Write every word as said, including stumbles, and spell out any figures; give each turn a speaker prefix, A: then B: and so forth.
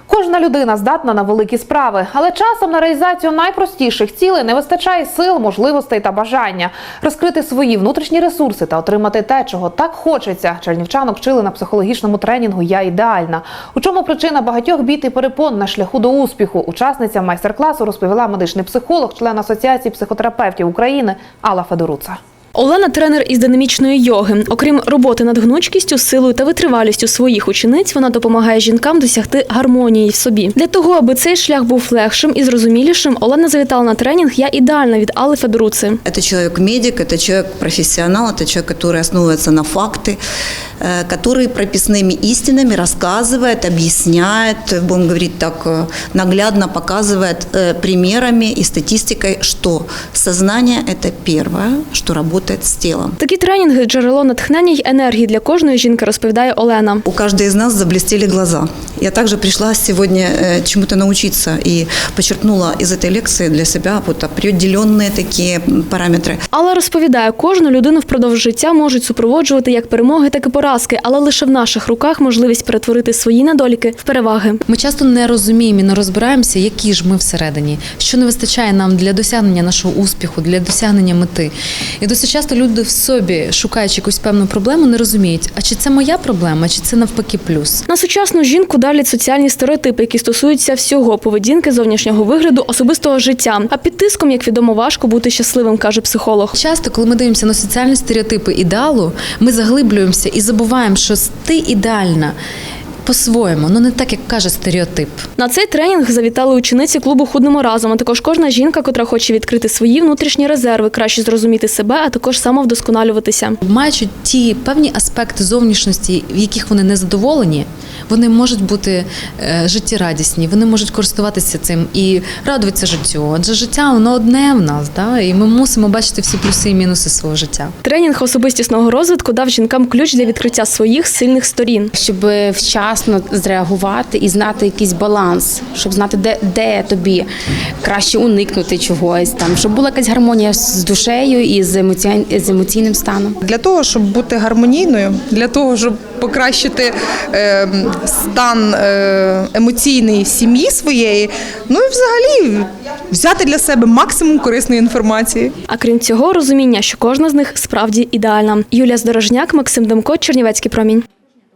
A: Кожна людина здатна на великі справи, але часом на реалізацію найпростіших цілей не вистачає сил, можливостей та бажання. Розкрити свої внутрішні ресурси та отримати те, чого так хочеться. Чернівчанок вчили на психологічному тренінгу «Я ідеальна». У чому причина багатьох бід і перепон на шляху до успіху? Учасниця майстер-класу розповіла медичний психолог, член Асоціації психотерапевтів України Алла Федоруца.
B: Олена – тренер із динамічної йоги. Окрім роботи над гнучкістю, силою та витривалістю своїх учениць, вона допомагає жінкам досягти гармонії в собі. Для того, аби цей шлях був легшим і зрозумілішим, Олена завітала на тренінг «Я ідеальна» від Алли Федоруци.
C: Это человек-медик, это человек-профессионал, это человек, который основывается на факты, который прописными истинами рассказывает, объясняет, будем говорить так, наглядно показывает примерами и статистикой, что сознание – это первое, что работает з тілом.
B: Такі тренінги – джерело натхнення й енергії для кожної жінки, розповідає Олена.
C: У каждой из нас заблестели глаза. Я также пришла сегодня чему-то научиться и почерпнула из этой лекции для себя вот определенные такие параметры.
B: Алла розповідає, кожну людину впродовж життя можуть супроводжувати як перемоги, так і поразки, але лише в наших руках можливість перетворити свої недоліки в переваги.
D: Ми часто не розуміємо і не розбираємося, які ж ми всередині, що не вистачає нам для досягнення нашого успіху, для досягнення мети. І досить часто люди в собі, шукаючи якусь певну проблему, не розуміють, а чи це моя проблема, чи це навпаки плюс.
B: На сучасну жінку давлять соціальні стереотипи, які стосуються всього – поведінки, зовнішнього вигляду, особистого життя. А під тиском, як відомо, важко бути щасливим, каже психолог.
D: Часто, коли ми дивимося на соціальні стереотипи ідеалу, ми заглиблюємося і забуваємо, що ти ідеальна по-своєму, ну не так, як каже стереотип.
B: На цей тренінг завітали учениці клубу «Худнемо разом», а також кожна жінка, котра хоче відкрити свої внутрішні резерви, краще зрозуміти себе, а також самовдосконалюватися.
D: Маючи ті певні аспекти зовнішності, в яких вони не задоволені, вони можуть бути е, життєрадісні, вони можуть користуватися цим і радуватися життю. Адже життя, воно одне в нас, да? І ми мусимо бачити всі плюси і мінуси свого життя.
B: Тренінг особистісного розвитку дав жінкам ключ для відкриття своїх сильних сторін.
E: Щоб вчасно зреагувати і знати якийсь баланс, щоб знати, де, де тобі краще уникнути чогось, там, щоб була якась гармонія з душею і з, емоці... з емоційним станом.
F: Для того, щоб бути гармонійною, для того, щоб покращити е, стан е, емоційний сім'ї своєї, ну і взагалі взяти для себе максимум корисної інформації.
B: А крім цього, розуміння, що кожна з них справді ідеальна. Юлія Здорожняк, Максим Демко, Чернівецький промінь.